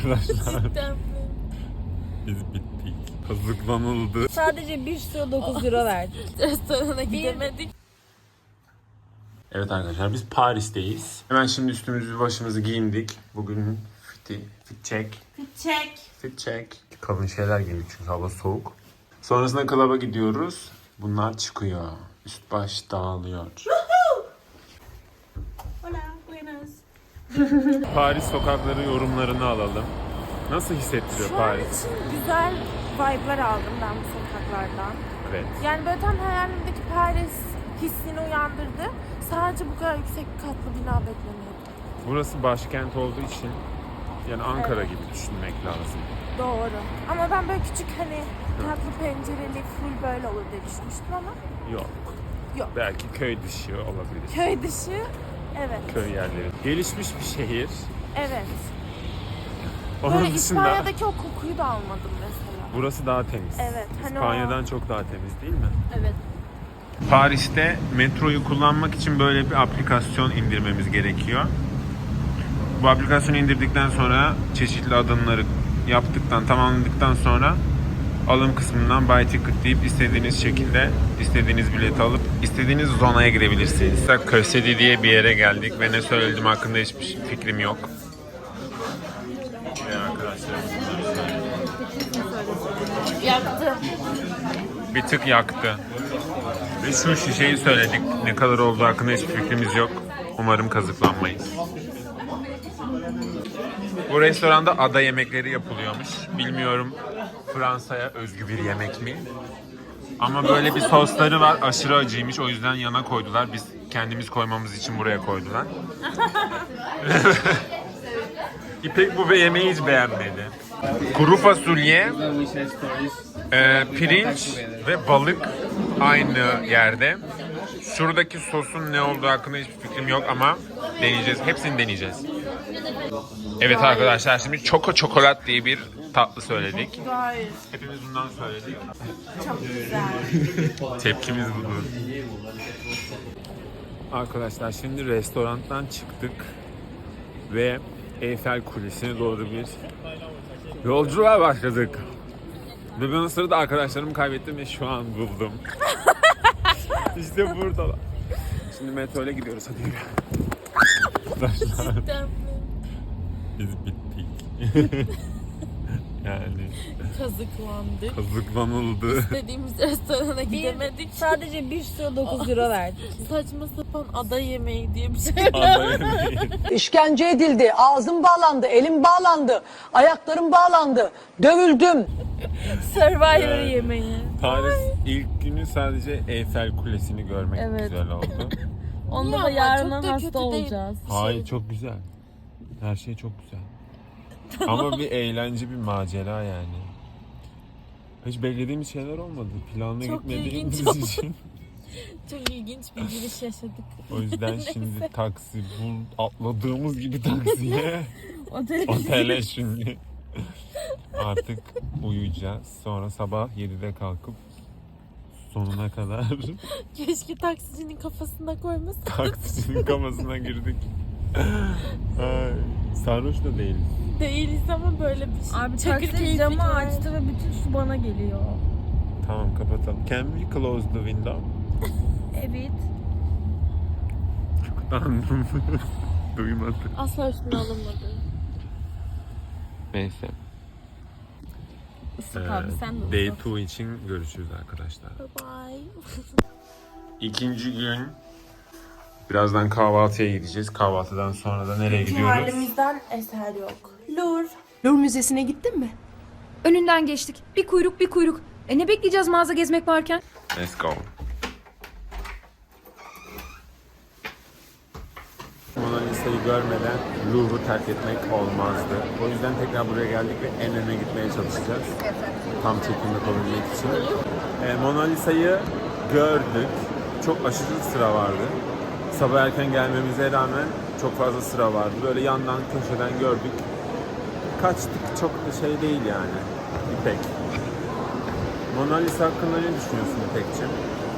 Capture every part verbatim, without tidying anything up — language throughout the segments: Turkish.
Arkadaşlar Cidden mi? biz bittik. Kazıklanıldı. Sadece bir sürü dokuz euro verdik. Restorana gidemedik. Evet arkadaşlar biz Paris'teyiz. Hemen şimdi üstümüzü başımızı giyindik. Bugün fiti, fit check. Fit check. Fit check. Kalın şeyler giydik çünkü hava soğuk. Sonrasında klaba gidiyoruz. Bunlar çıkıyor. Üst baş dağılıyor. Hola, buenas. Paris sokakları yorumlarını alalım. Nasıl hissettiriyor Şu an Paris? için güzel vibe'lar aldım ben bu sokaklardan. Evet. Yani böyle tam hayalimdeki Paris hissini uyandırdı. Sadece bu kadar yüksek katlı bina beklemiyordum. Burası başkent olduğu için yani Ankara gibi düşünmek lazım. Doğru. Ama ben böyle küçük hani tatlı pencereli full böyle olur diye düşünmüştüm ama Yok. Yok. Belki köy dışı olabilir. köy dışı evet. Köy yerleri. Gelişmiş bir şehir. Evet. Onun Böyle dışında İspanya'daki o kokuyu da almadım mesela. burası daha temiz. Evet, hani İspanya'dan çok daha temiz değil mi? Evet. Paris'te metroyu kullanmak için böyle bir aplikasyon indirmemiz gerekiyor. Bu aplikasyonu indirdikten sonra çeşitli adımları yaptıktan, tamamladıktan sonra alım kısmından Buy Ticket deyip istediğiniz şekilde istediğiniz bileti alıp istediğiniz zonaya girebilirsiniz. Kösedi diye bir yere geldik ve ne söylediğim hakkında hiçbir fikrim yok. Ve arkadaşlar Yaktı. bir tık yaktı. Ve şu şişeyi söyledik. Ne kadar olduğu hakkında hiçbir fikrimiz yok. Umarım kazıklanmayız. Bu restoranda ada yemekleri yapılıyormuş. Bilmiyorum Fransa'ya özgü bir yemek mi? Ama böyle bir sosları var. Aşırı acıymış. O yüzden yana koydular. Biz kendimiz koymamız için buraya koydular. İpek bu yemeği hiç beğenmedi. Kuru fasulye, e, pirinç ve balık aynı yerde. Şuradaki sosun ne olduğu hakkında hiçbir fikrim yok ama deneyeceğiz. Hepsini deneyeceğiz. Evet arkadaşlar şimdi Choco Çokolat diye bir tatlı söyledik. Gayet. Hepimiz bundan söyledik. Çok güzel. Tepkimiz budur. Arkadaşlar şimdi restorandan çıktık ve Eyfel Kulesi'ne doğru bir yolculuğa başladık. Ve ben o sırada arkadaşlarımı kaybettim ve şu an buldum. İşte buradalar. Şimdi metro ile gidiyoruz, hadi yürü. Arkadaşlar Cidden mi? biz bittik. Yani Kazıklandık. kazıklanıldı. İstediğimiz restorana gidemedik. Sadece bir sürü dokuz euro verdik. Saçma sapan ada yemeği diye bir şey. Ada yemeği. İşkence edildi, ağzım bağlandı, elim bağlandı, ayaklarım bağlandı, dövüldüm. Survivor Evet. yemeği. Paris ilk günü sadece Eyfel Kulesi'ni görmek Evet. güzel oldu. Onda Niye da ama? yarından Çok da kötü hasta değil. olacağız. Hayır, çok güzel. Her şey çok güzel. Ama bir eğlence, bir macera yani. Hiç beklediğimiz şeyler olmadı. Planlı Çok gitmediğimiz ilginç oldu. için. Çok ilginç bir giriş yaşadık. O yüzden şimdi taksi, bu atladığımız gibi taksiye, Otele otele şimdi. Artık uyuyacağız. Sonra sabah yedide kalkıp sonuna kadar Keşke taksicinin kafasına koymasın. taksinin kafasına girdik. Ay, sarhoş da değiliz. Değiliz ama böyle bir şey. Abi Çakır taksi keyifli camı yani. açtı ve bütün su bana geliyor. Tamam, kapatalım. Can we close the window? Evet. Anladım. Duymadık. Asla üstüne alınmadı. Neyse. Isık abi sen de Day ısık. iki için görüşürüz arkadaşlar. Bye. İkinci gün. Birazdan kahvaltıya gideceğiz. Kahvaltıdan sonra da nereye gidiyoruz? Halimizden eser yok. Lur. Louvre Müzesi'ne gittin mi? Önünden geçtik. Bir kuyruk bir kuyruk. E ne bekleyeceğiz mağaza gezmek varken? Let's go. Mona Lisa'yı görmeden Louvre'u terk etmek olmazdı. O yüzden tekrar buraya geldik ve en öne gitmeye çalışacağız. Tam çekimde yapabilmek için. Ee, Mona Lisa'yı gördük. Çok aşırı sıra vardı. Sabah erken gelmemize rağmen çok fazla sıra vardı. Böyle yandan, köşeden gördük. Kaçtık, çok da şey değil yani. İpek. Mona Lisa hakkında ne düşünüyorsun İpek'ciğim?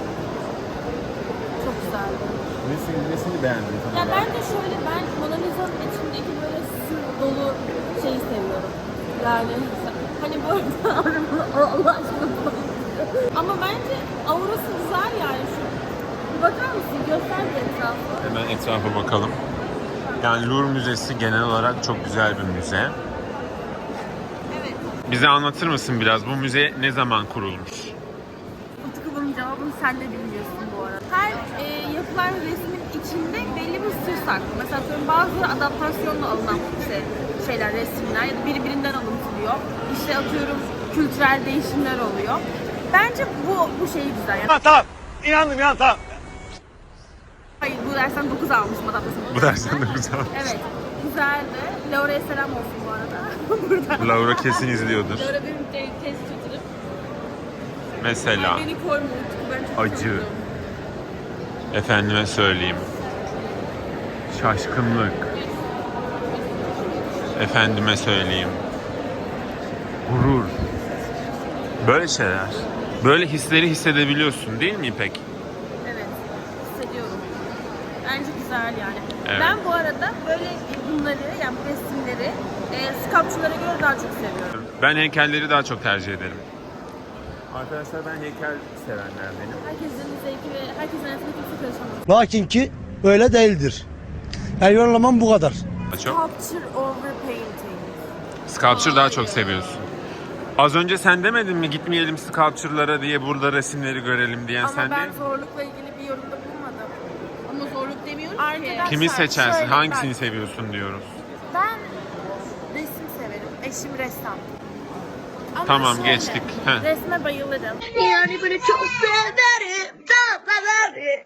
Çok güzeldi. Nesini, nesini beğendin tam Ya olarak? ben de şöyle ben Mona Lisa'nın içindeki böyle sır dolu şeyi seviyorum. Yani hani böyle Allah aşkına bu- ama bence aurası güzel yani şu. Bir bakar mısın? Göster bir etrafı. Hemen etrafa bakalım. Yani Louvre Müzesi genel olarak çok güzel bir müze. Evet. Bize anlatır mısın biraz? Bu müze ne zaman kurulmuş? Utku bunun cevabını sen de bilmiyorsun bu arada. Her e, yapılan resmin içinde belli bir sır saklı. Mesela atıyorum bazıları adaptasyonla alınan işte şeyler, resimler ya da birbirinden alıntılıyor. İşte atıyorum kültürel değişimler oluyor. Bence bu bu şey güzel. Yani, Tamam tamam. İnandım ya tamam. hayır bu dersten dokuz almışım adaptasyon. Bu dersten de güzel. Evet. Güzeldi. Laura'ya selam olsun bu arada. Burada. Laura kesin izliyordur. Laura benim te- test tuturum. Mesela Beni koyma Utku. Ben çok acı. korkuyorum. Efendime söyleyeyim. Şaşkınlık. Efendime söyleyeyim. Gurur. Böyle şeyler. Böyle hisleri hissedebiliyorsun değil mi İpek? Evet, hissediyorum. Bence güzel yani. Evet. Ben bu arada böyle bunları, yani bu resimleri e, sculpture'lara göre daha çok seviyorum. Ben heykelleri daha çok tercih ederim. Arkadaşlar ben heykel sevenlerdenim. Herkesin zevki ve herkesin hayatına kimse karışamaz. Lakin ki öyle değildir. Yani yorumlamam bu kadar. Çok. Sculpture over painting. Sculpture daha çok seviyorsun. Az önce sen demedin mi gitmeyelim sculpture'lara diye burada resimleri görelim diyen Ama sen ben değil. zorlukla ilgili bir yorumda bulunmadım. Ama zorluk demiyorum Arkadaşlar, Kimi seçersin? şöyle, Hangisini bak, seviyorsun diyoruz. Ben resim severim. Eşim ressam. Ama Tamam, şöyle, geçtik. Heh. Resme bayılırım. Yani böyle çok severim, çok severim.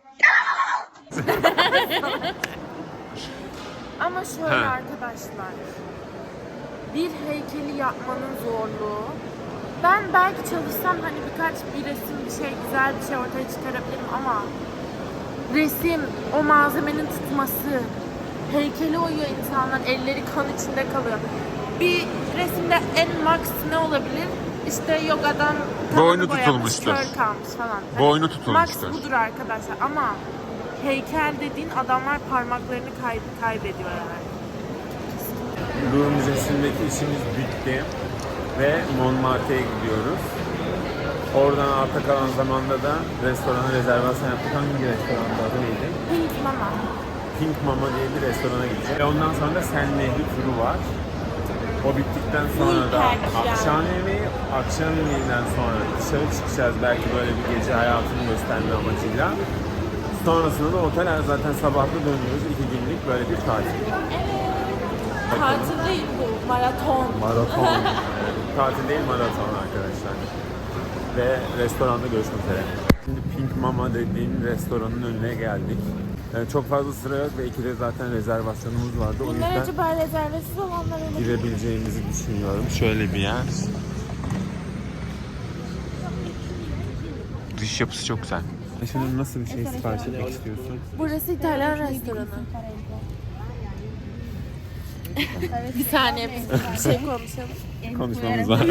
Ama şöyle He. arkadaşlar. Bir heykeli yapmanın zorluğu. Ben belki çalışsam hani birkaç bir resim, bir şey, güzel bir şey ortaya çıkarabilirim ama resim, o malzemenin tutması, heykeli oyuyor insanlar, elleri kan içinde kalıyor. Bir resimde en max ne olabilir? İşte yok adam kanını Boynu boyamış, tutulmuştur. kör kalmış falan. Boynu Max tutulmuştur. budur arkadaşlar ama heykel dediğin adamlar parmaklarını kay kaybediyor yani. Louvre Müzesi'ndeki işimiz bitti ve Montmartre'ye gidiyoruz. Oradan arta kalan zamanda da restorana rezervasyon yaptık. Hangi restoranda adı neydi? Pink Mama. Pink Mama diye bir restorana gideceğiz. Ve ondan sonra da Sen Nehri turu var. O bittikten sonra da Ülker yani. akşam yemeği, akşam yemeğinden sonra dışarı çıkacağız belki böyle bir gece hayatını gösterme amacıyla. Sonrasında da otel zaten sabahlı dönüyoruz. İki günlük böyle bir tatil. Tatil değil bu, maraton. Maraton. Tatil değil maraton arkadaşlar. Ve restoranda görüşmek üzere. Şimdi Pink Mama dediğim restoranın önüne geldik. Yani çok fazla sıra yok ve ikide zaten rezervasyonumuz vardı. O Bunlar yüzden acaba rezervesiz olanlar olur. girebileceğimizi düşünüyorum. Şöyle bir yer. Dış yapısı çok güzel. Şimdi nasıl bir şey sipariş etmek istiyorsun? Burası İtalyan restoranı. Bir saniye biz bir şey konuşalım. Konuşmamız var.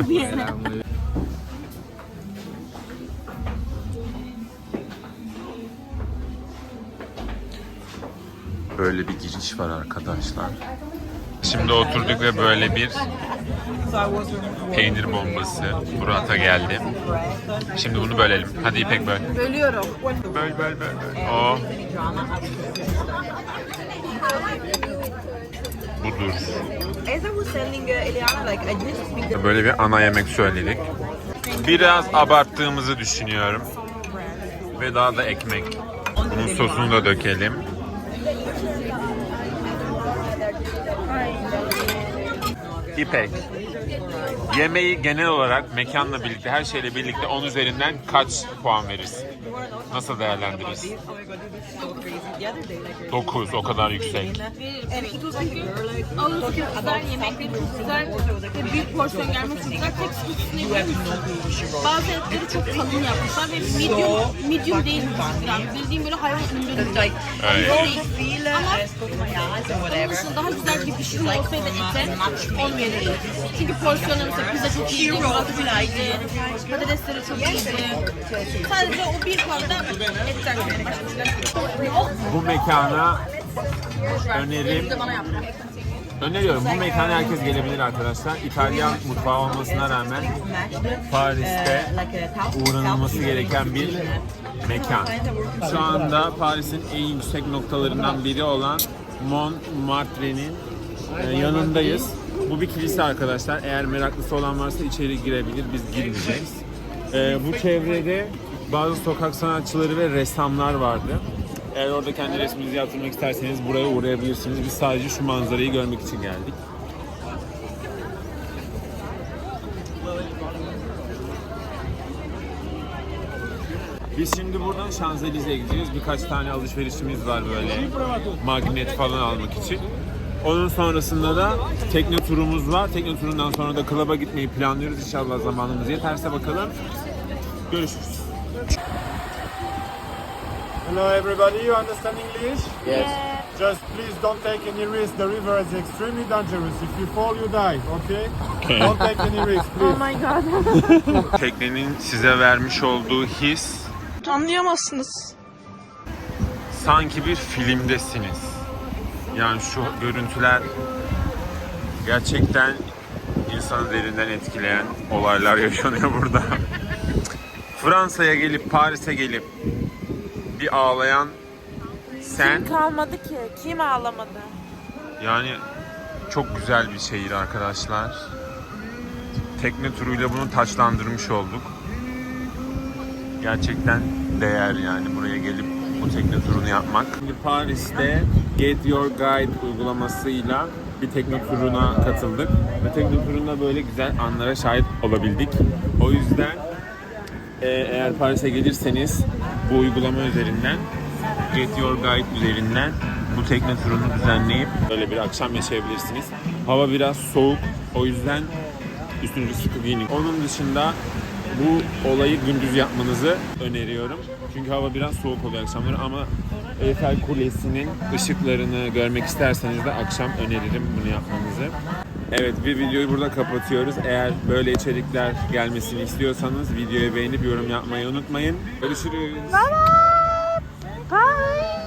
Böyle bir giriş var arkadaşlar. Şimdi oturduk ve böyle bir peynir bombası Murat'a geldi. Şimdi bunu bölelim. Hadi İpek böl. Bölüyorum. Böl böl böl böl. O. Budur. Böyle bir ana yemek söyledik. Biraz abarttığımızı düşünüyorum. Ve daha da ekmek. Bunun sosunu da dökelim. İpek. Yemeği genel olarak mekanla birlikte, her şeyle birlikte on üzerinden kaç puan verirsin? Nasıl değerlendirirsin? dokuz, o kadar yüksek. Ağır çok güzel, yemekleri çok güzel ve büyük porsiyon gelmesi çok güzel. Tek sıkıntısı ne biliyor musun? Bazı etleri çok kalın yapmışlar ve medium, medium değil bu yani. Bildiğim böyle hayvan ürünleri gibi. Evet. Ama onun dışında daha güzel bir pişirme olsaydı ete on verirdim. Çünkü porsiyonu mesela pizza çok iyiydi, muratı çok iyiydi, patatesleri çok iyiydi. Sadece o bir puanda etten başlamışlar. Bu mekana önerim De bana yaptı. Öneriyorum. Bu mekana herkes gelebilir arkadaşlar. İtalyan mutfağı olmasına rağmen Paris'te uğranılması gereken bir mekan. Şu anda Paris'in en yüksek noktalarından biri olan Montmartre'nin e, yanındayız. Bu bir kilise arkadaşlar. Eğer meraklısı olan varsa içeri girebilir. Biz girmeyeceğiz. E, bu çevrede bazı sokak sanatçıları ve ressamlar vardı. Eğer orada kendi resminizi yaptırmak isterseniz buraya uğrayabilirsiniz. Biz sadece şu manzarayı görmek için geldik. Biz şimdi buradan Şanzelize'ye gideceğiz. Birkaç tane alışverişimiz var böyle magnet falan almak için. Onun sonrasında da tekne turumuz var. Tekne turundan sonra da klaba gitmeyi planlıyoruz. İnşallah zamanımız yeterse bakalım. Görüşürüz. Hello everybody, you understand English? Yes. Just please don't take any risk. The river is extremely dangerous. If you fall, you die, okay? Okay. Don't take any risk, Oh please. my god. Teknenin size vermiş olduğu his Anlayamazsınız. sanki bir filmdesiniz. Yani şu görüntüler gerçekten insanı derinden etkileyen olaylar yaşanıyor burada. Fransa'ya gelip Paris'e gelip bir ağlayan sen, Kim kalmadı ki? Kim ağlamadı? yani çok güzel bir şehir arkadaşlar. Tekne turuyla bunu taçlandırmış olduk. Gerçekten değer yani buraya gelip bu tekne turunu yapmak. Şimdi Paris'te Get Your Guide uygulamasıyla bir tekne turuna katıldık. Ve tekne turunda böyle güzel anlara şahit olabildik. O yüzden e, eğer Paris'e gelirseniz bu uygulama üzerinden Get Your Guide üzerinden bu tekne turunu düzenleyip böyle bir akşam yaşayabilirsiniz. Hava biraz soğuk. O yüzden üstünüzü sıkı giyinin. Onun dışında bu olayı gündüz yapmanızı öneriyorum. Çünkü hava biraz soğuk oluyor akşamları ama Eiffel Kulesi'nin ışıklarını görmek isterseniz de akşam öneririm bunu yapmanızı. Evet, bir videoyu burada kapatıyoruz. Eğer böyle içerikler gelmesini istiyorsanız videoyu beğenip yorum yapmayı unutmayın. Görüşürüz. Bye bye. Bye.